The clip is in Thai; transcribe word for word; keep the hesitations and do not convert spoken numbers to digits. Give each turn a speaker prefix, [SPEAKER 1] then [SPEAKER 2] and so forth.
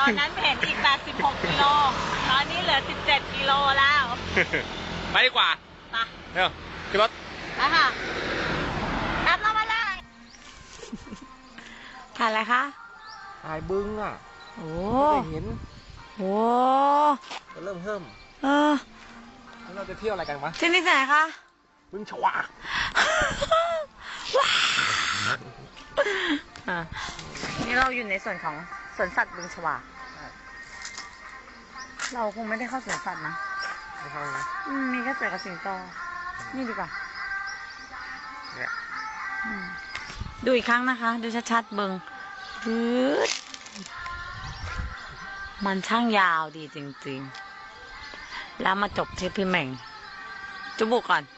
[SPEAKER 1] อนนั้นเห็นอีกแปดสิบหกกิโลตอนนี้เหลือสิบเจ็ดกิโลแล้ว
[SPEAKER 2] ไปดีกว่า
[SPEAKER 1] ไป
[SPEAKER 2] เร็วขึ้นรถ
[SPEAKER 1] ไปค่ะกลับเรามาเลยถ่ายอะไรคะ
[SPEAKER 2] ถ่ายบึ้งอ่ะ
[SPEAKER 1] โอ้
[SPEAKER 2] ไม่เห็น
[SPEAKER 1] โอ้
[SPEAKER 2] จะเริ่มเพิ่ม
[SPEAKER 1] เออ
[SPEAKER 2] แล้วเราจะเที่ยวอะไรกันวะ
[SPEAKER 1] ที่นี่ที่ไหนคะ
[SPEAKER 2] บึ้งฉวาก
[SPEAKER 1] อ่ะนี่เราอยู่ในส่วนของสวนสัตว์บึงฉวากเราคงไม่ได้เข้าสวนสัตว์นะ
[SPEAKER 2] ไม่เข้านะ
[SPEAKER 1] อืมมีแค่เสือกับสิงโตนี่ดีกว่า
[SPEAKER 2] เนี่ย
[SPEAKER 1] อืมดูอีกครั้งนะคะ ดูชัดๆเบิงปื๊ดมันช่างยาวดีจริงๆ แล้วมาจบที่พี่เหม่ง จุบุกก่อน